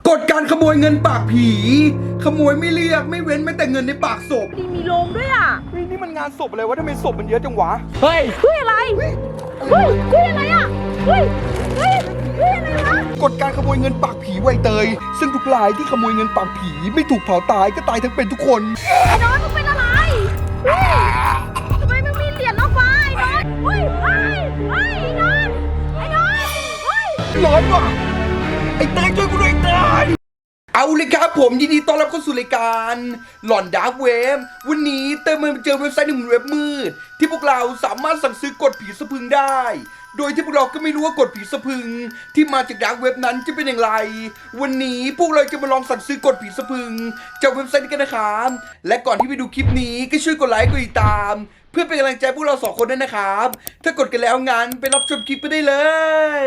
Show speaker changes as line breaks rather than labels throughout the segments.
กฎการขโมยเงินปากผี ขโมยไม่เรียกไม่เว้นแม้แต่เงินในปากศพ
มีโรงด้วยอ่ะ
เฮ้ยนี่มันงานศพอะไรวะทำไมศพมันเยอะจังวะ
เฮ้ย
อะไรเฮ้ยอะไรอ่ะเฮ้ยอะไรวะ
กฎการขโมยเงินปากผีไวเตย ซึ่งทุกรายที่ขโมยเงินปากผีไม่ถูกเผาตายก็ตายทั้งเป็นทุกคน
ไอ้น้อยมึงเป็นอะไรเฮ้ยทำไมมึงมีเหรียญล้อฟ้าไอ้น้อยเฮ้ยไอ้น้อยเฮ้ย
ร้อนว่ะไอ้เตยช่วยกูด้วยไอ้เตยเอาเลยครับผมยินดีต้อนรับเข้าสู่รายการหลอนดาร์กเว็บวันนี้เติมมาเจอเว็บไซต์หนึ่งเว็บมืดที่พวกเราสามารถสั่งซื้อกดผีสะพึงได้ โดยที่พวกเราก็ไม่รู้ว่ากดผีสะพึงที่มาจากดาร์กเว็บนั้นจะเป็นอย่างไร วันนี้พวกเราจะมาลองสั่งซื้อกดผีสะพึงจากเว็บไซต์นี้กันนะครับและก่อนที่ไปดูคลิปนี้ก็ช่วยกดไลค์กดติดตามเพื่อเป็นกำลังใจพวกเราสองคนด้วยนะครับถ้ากดกันแล้วงั้นไปรับชมคลิปไปได้เลย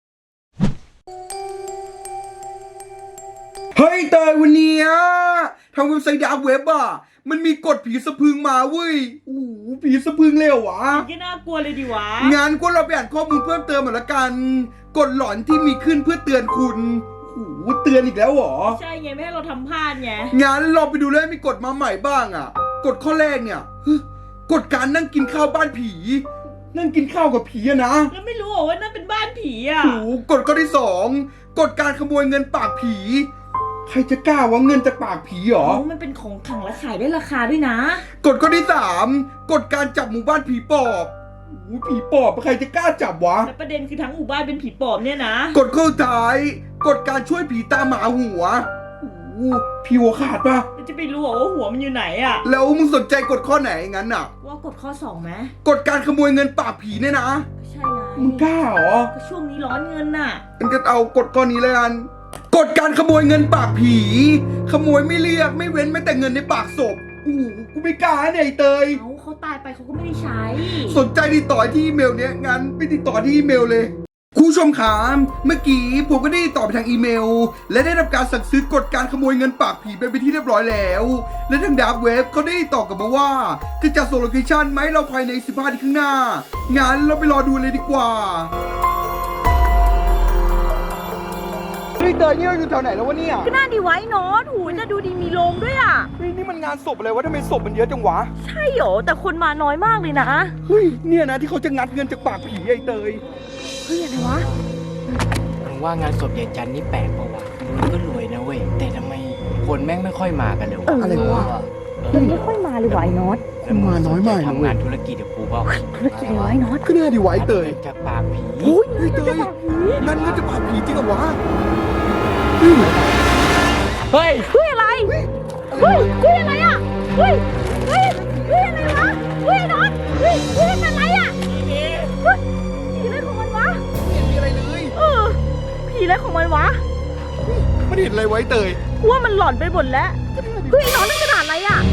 เฮ้ยเตยวันนี้ทางเว็บไซต์ดาร์กเว็บมันมีกฎผีสะพึงมาเว้ยโอ้โหผีสะพึงเลยเหรอวะ
ก็น่ากลัวเลยดิวะ
งั้นก็เราไปอ่านข้อมูลเพิ่มเติมหน่อยละกันกฎหลอนที่มีขึ้นเพื่อเตือนคุณโอ้โหเตือนอีกแล้วเหรอ
ใช่ไงไม่ให้เราทำพลาดไง
งั้นเราไปดูเลยมีกฎมาใหม่บ้างกฎข้อแรกเนี่ยกฎการนั่งกินข้าวบ้านผี นั่งกินข้าวกับผีอะนะ
แล้วไม่รู้ว่านั่นเป็นบ้านผีอ่ะ
โอ้โหกฎข้อที่สองกฎการขโมยเงินปากผีใครจะกล้าว่าเงินจากปากผีหรอ
มันเป็นของขลังและขายได้ราคาด้วยนะ
กฎข้อที่สามกฎการจับหมู่บ้านผีปอบโอ้โหผีปอบใครจะกล้าจับวะ
แต่ประเด็นคือทั้งหมู่บ้านเป็นผีปอบเนี่ยนะ
กฎข้อสุดท้ายกฎการช่วยผีตามหาหัวโอ้โหผีหัวขาดปะ
จะไปรู้ว่าหัวมันอยู่ไหนอ่ะ
แล้วมึงสนใจกฎข้อไหนงั้น
ว่ากดข้อ2ไหม
กฎการขโมยเงินปากผีเนี่ยนะ
ใช่ไง
มึงกล้าเหรอ
ก็ช่วงนี้ร้อนเงินน่ะ
มันก็เอากฎข้อนี้เลยกันกฎการขโมยเงินปากผี ขโมยไม่เรียกไม่เว้นแม้แต่เงินในปากศพโอ้โหกูไม่กล้าเนี่ยไอ้เตย
เขาตายไปเขาก็ไม่ได้ใช้
สนใจติดต่อที่อีเมลเนี้ยงั้นไปติดต่อที่อีเมลเลยคุณผู้ชมครับเมื่อกี้ผมก็ได้ติดต่อไปทางอีเมล และได้รับการสั่งซื้อกฎการขโมยเงินปากผีไปที่เรียบร้อยแล้ว และทางดาร์กเว็บเขาได้ติดต่อกลับมาว่าจะจัดส่งโลเคชั่นไหมเราภายใน15นาทีข้างหน้างั้นเราไปรอดูเลยดีกว่าเฮ้ยเตยนี่เราอยู่แถวไหนแล้ววะเนี่ย
ก็น่าดีไว้เนาะหูจะดูดีมีโรงด้วยอ่ะ
เฮ้ยนี่มันงานศพอะไรวะทำไมศพมันเยอะจังวะ
ใช่เหรอแต่คนมาน้อยมากเลยนะ
เฮ้ยเนี่ยนะที่เขาจะงัดเงินจากปากผีไอ้เตย
เฮ้ยอะไรวะ
มึงว่างานศพยายจันนี่แปลกปะวะมันก็รวยนะเว้ย แต่ทำไมคนแม่งไม่ค่อยมากันเลยวะ
อะไรวะ
มันไม่ค่อยมาเลยว่ะไอ้น็อต
คนมาน้อยมากนะเว้ย
ทำงานธุรกิจกับกูเปล่า
ธุรกิจอะไรวะไอ้น็อต
ก็น่าดีไว้เตย
จากปากผี
อุ้ย
เฮ้ยเตยนั่นเงินจากปากผีจริงเหรอวะ
เฮ้ย
เฮ้ยอะไรเฮ้ยอะไรอ่ะเฮ้ยอะไรวะเฮ้ยไอ้น็อตเฮ้ยเป็นอะไรอ่ะเฮ้ยผีอะไรของมันวะ
ไม่เห็นมีอะไรเลย
ผีอะไรของมันวะ
ไม่เห็นอะไรไว้เตย
กูว่ามันหลอนไปหมดแล้วเฮ้ยไอ้น็อตนั่นกระดาษอะไรอ่ะ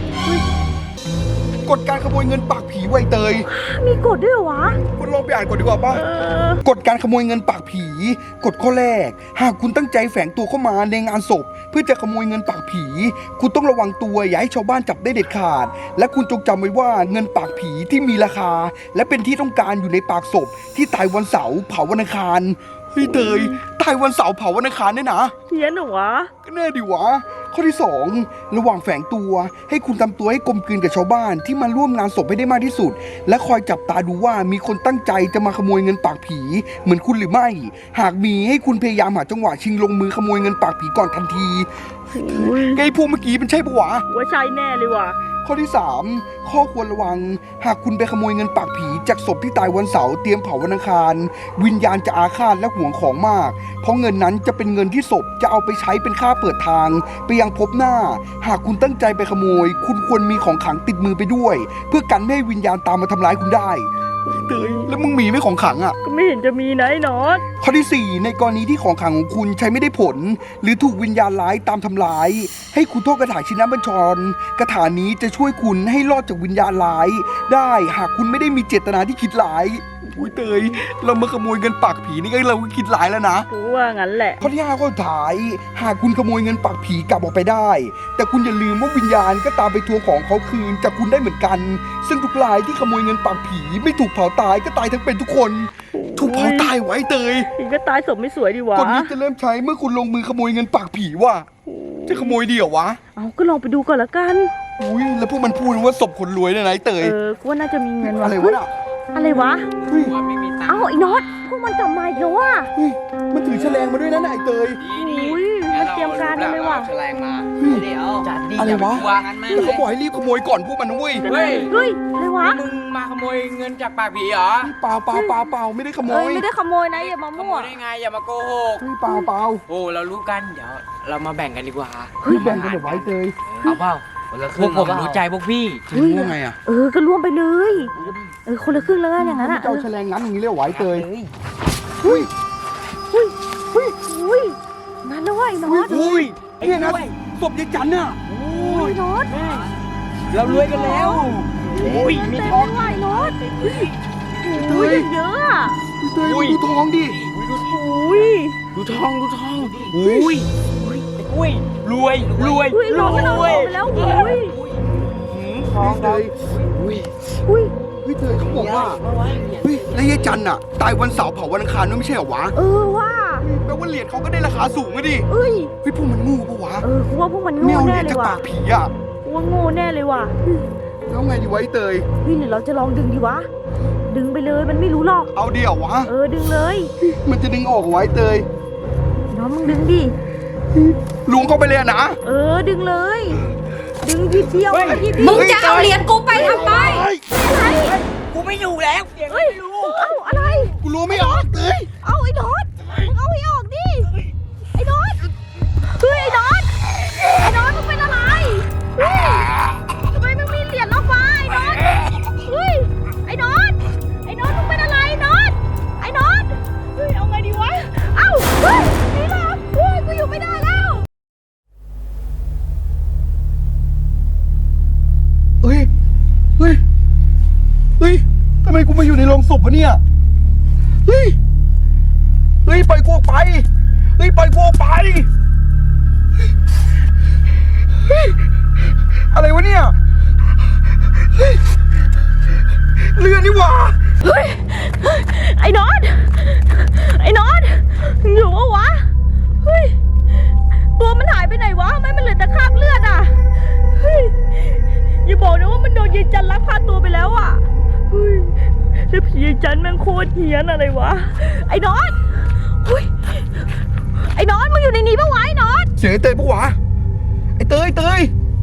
กฎการขโมยเงินปากผีไว้เตย
มีกฎด้วยเหรอวะ
คุณลองไปอ่านก่อนดีกว่าป่ะกฎการขโมยเงินปากผีกฎข้อแรกหากคุณตั้งใจแฝงตัวเข้ามาในงานศพเพื่อจะขโมยเงินปากผี คุณต้องระวังตัวอย่าให้ชาวบ้านจับได้เด็ดขาด และคุณจงจำไว้ว่าเงินปากผีที่มีราคา และเป็นที่ต้องการอยู่ในปากศพที่ตายวันเสาร์เผาวันอังคารเฮ้ยเตยตายวันเสาร์เผาวันอังคารเนี่ยนะ
เฮียนเหรอวะ
ก็แน่ดิวะข้อที่ 2 ระหว่างแฝงตัวให้คุณทำตัวให้กลมกลืนกับชาวบ้านที่มาร่วมงานศพให้ได้มากที่สุด และคอยจับตาดูว่ามีคนตั้งใจจะมาขโมยเงินปากผีเหมือนคุณหรือไม่ หากมีให้คุณพยายามหาจังหวะชิงลงมือขโมยเงินปากผีก่อนทันทีไอ้พวกเมื่อกี้มันใช่ปะวะ
ว่าใช่แน่เลยว่ะ
ข้อที่ 3 ข้อควรระวังหากคุณไปขโมยเงินปากผีจากศพที่ตายวันเสาร์เตรียมเผาวันอังคารวิญญาณจะอาฆาตและหวงของมากเพราะเงินนั้นจะเป็นเงินที่ศพจะเอาไปใช้เป็นค่าเปิดทางไปยังภพหน้าหากคุณตั้งใจไปขโมยคุณควรมีของขลังติดมือไปด้วยเพื่อกันไม่ให้วิญญาณตามมาทำร้ายคุณได้เตยแล้วมึงมีไหมของขลังอ่ะ
ก็ไม่เห็นจะมีนะไอ้น็อต
ข้อที่ 4 ในกรณีที่ของขลังของคุณใช้ไม่ได้ผล หรือถูกวิญญาณร้ายตามทำร้าย ให้คุณท่องคาถาชินบัญชรคาถานี้จะช่วยคุณให้รอดจากวิญญาณร้าย ได้หากคุณไม่ได้มีเจตนาที่คิดร้ายอุ้ยเตยเรามาขโมยเงินปากผีนี่ก็เราก็คิดร้ายแล้วนะ
กูว่างั้นแหละ
ข้อที่ 5 ข้อสุดท้ายหากคุณขโมยเงินปากผีกลับออกไปได้ แต่คุณอย่าลืมว่าวิญญาณก็ตามไปทวงของเขาคืนจากคุณได้เหมือนกัน ซึ่งทุกรายที่ขโมยเงินปากผีไม่ถูกเผาตายก็ตายทั้งเป็นทุกคนถูกเผาตายไว้เตย
อีกก็ตายศพไม่สวยดีวะ
กฎนี้จะเริ่มใช้เมื่อคุณลงมือขโมยเงินปากผีว่ะจะขโมยดีเหรอวะ
เอาก็ลองไปดูก่อนละกัน
อุ้ยแล้วพวกมันพูดว่าศพคนรวยเนี่ยนะไอ้เตย
กูว่าน่าจะมีเงินว่ะ
อะไรวะน่ะ
อะไรวะ
เฮ้ย
ว่าไม่มีตังค์
เอ้าไอ้น็อตพวกมันกลับมาอีกแล้วว่ะ
เฮ้ยมันถือแฉลงมาด้วยนะไอ้เตย
อุ้ยมันเตรียมการกันเลยว่ะ
แฉลงมา
เฮ้ย
เดี๋ยวจัดดี
อะไรวะ
งั้นไหม
แล้วเขาบอกให้รีบขโมยก่อนพวกมันนะเว้ย
เฮ้ย
เฮ้ยอะไรวะ
มึงมาขโมยเงินจากปากผีเหรอ
เปล่าไม่ได้ขโม
เอ้
ย
ยไม่ได้ขโมยนะอย่ามา
ขโม
มั่วย
ได้ไงอย่ามาโกหก
เฮ้ยเปล่า
โอ้เรารู้กันเดี๋ยวเรามาแบ่งกันดีกว่า
แบ่งกันเดี๋ยวไว้เตย
เอาเปล่าพวกผมรู้ใจพวกพี่
จะรู้ว่าไงอ่ะ
ก็ร่วมไปเลยคนละครึ่งแล้วกันอย่างนั้นอ่ะ
เจ้าแฉลงงั้นอย่างนี้เรียกไว้เตย
เฮ้ยมาแล้วว่ะไอ้น็อต
อุ้ยเนี่ยนะศพยายจันน่ะ
ไอ้น็อต
เรารวยกันแล้ว
อุ้ยมีทองว่ะไอ้น็อตอุ้ยเยอะอ่ะ
เตยดูทองดิ
อุ้ย
ดูทองอุ้ยรวย
อุ้ยน็อตมันเอาทองไปแล้วอุ้ย
ทองเตย
อุ้ย
เฮ้ยเตยเขาบอกว่าเฮ้ยแล้วยายจันน่ะตายวันเสาร์เผาวันอังคารด้วยไม่ใช่เหรอวะ
ว่า
แปลว่าเหรียญเขาก็ได้ราคาสูงอะดิ
เอ้ย
เฮ้ยพวกมันงูปะวะ
กูว่าพวกมัน
ไม่
โง่
เอาเห
แน่
รียญ
เล
จาก
ยว่ะ
ปากผีอ่ะ
กูว่าโง่แน่เลยว่ะ
แล้วไงดีไวะไอ้เตย
เฮ้ยหรือเราจะลองดึงดีวะ ดึงไปเลยมันไม่รู้หรอก
เอาเดี๋ยววะ
ดึงเลย
มันจะดึงออกไว้เตย
น้องมึงดึงดิ
ลุงเข้าไปเลยอะนะ
ดึงเลย ดึงทีเดียวที
มึ
เดียว
งจะเอาเหรียญกูไปทำไม
อะไร
กูไม่อยู่แล้ว
เฮ้ยเอ้าอะไร
กูรู้ไม่ออกเตย
เอาไอ้น็อตมึงเอาให้ออกดิ ไอ้น็อตเฮ้ยไอ้น็อตไอ้น็อตมึงเป็นอะไรเฮ้ยทำไมมึงมีเหรียญล็อกฟ้าไอ้น็อตเฮ้ยไอ้น็อตมึงเป็นอะไรไอ้น็อตไอ้น็อตเฮ้ยเอาไงดีวะ เอ้าเฮ้ยนี่เหรอเฮ้ยกูอยู่ไม่ได้แล้ว
เฮ้ยทำไมกูมาอยู่ในโรงศพวะเนี่ยเฮ้ยปล่อยกูออกไปปล่อยกูออกไปเฮ้ยอะไรวะเนี่ยเฮ้ยเรือนี่หว่า
เฮ้ยไอ้น็อตอยู่ปะวะ เฮ้ย ตัวมันหายไปไหนวะทำไมมันเหลือแต่คราบเลือดอ่ะ เฮ้ย อย่าบอกนะว่ามันโดนยายจันลักพาตัวไปแล้วอ่ะ เฮ้ยแล้วผียายจันแม่งโคตรเหี้ยนอะไรวะ ไอ้น็อตเฮ้ย ไอ้น็อตมึงอยู่ในนี้ปะวะไอ้น็อต
เสียงไอ้เตยปะวะไอ้เตยได้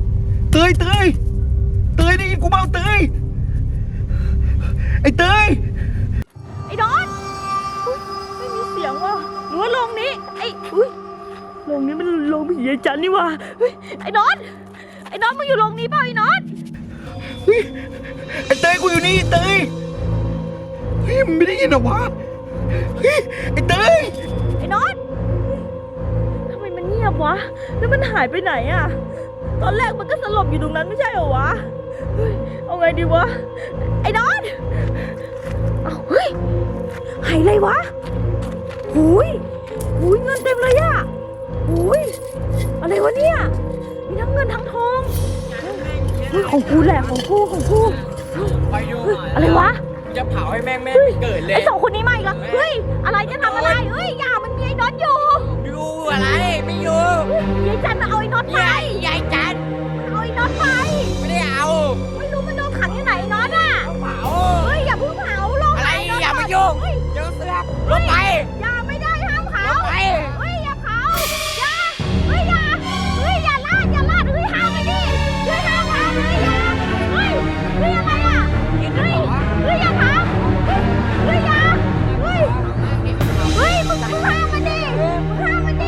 ยินกูเปล่าเตยไอ้เตย
ไอ้น็อตเฮ้ยไม่มีเสียงว่ะหรือว่าโรงนี้ อุ้ยโรงนี้มันโรงผียายจันนี่ว่ะเฮ้ย ไอ้น็อตมึงอยู่โรงนี้เปล่าไอ้น็อต
เฮ้ยไอ้เตยกูอยู่นี่เตยเฮ้ยมันไม่ได้ยินเหรอวะเฮ้ยไอ้เตย
ไอ้น็อตทำไมมันเงียบวะ แล้วมันหายไปไหนอะตอนแรกมันก็สลบอยู่ตรงนั้นไม่ใช่เหรอวะเฮ้ยเอาไงดีวะ ไอ้น็อตเอาเฮ้ยหายเลยวะหูยเงินเต็มเลยอะหูยอะไรวะเนี่ย มีทั้งเงินทั้งทองเฮ้ยของกูแหละของกู
ไปดู
เฮ้ยอะไรวะ
จะเผาให้แม่งไม่เกิดเลย
ไอ้สองคนนี้มาอีกแล้วเฮ้ย อะไรจะทำอะไร เฮ้ย อย่ามันมีไอ้น็อตอยู่
ดูอะไรไม่อยู่
ยายจันมาเอาไอ้น็อตไป
ยายจัน
เอาไอ้น็อตไป
ไม่ได้เอา
ไม่รู้มันโดนขังที่ไหนไอ้น็อตอ่ะ
เผา
เฮ้ยอย่าเพิ่งเผาลง
อะไร
ไน็ต
อย่ามายุ่ง
เฮ้ย
เจอเสือกลงไป
อย่าไม่ได้ห้ามเผา
ลงไป
เฮ้ยอย่าเผาอย่าเฮ้ยอย่าลาดเฮ้ยห้ามไปดิเฮ้ยห้ามเผาเฮ้ยอย่าเฮ้ยอะไรอ่ะเฮ้ยอย่าเผาเฮ้ยอย่าเฮ้ยมึงห้ามมันดิมึงห้ามมัน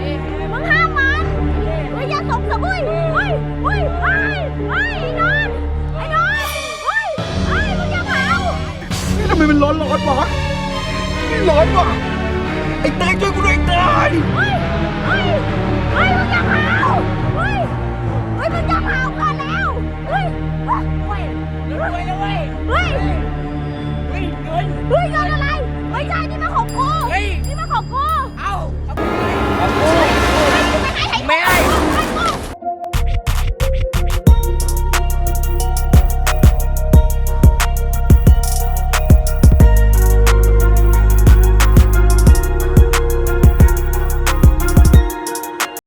เฮ้ยอย่าตบสะบุยเฮ้ยไอ้น็อตเฮ้ยมึงอย่าเผา
นี่ทำไมมันร้อนวะนี่ร้อนว่ะไอ้เตยช่วยกูด้วยไอ้เตย
เฮ้ย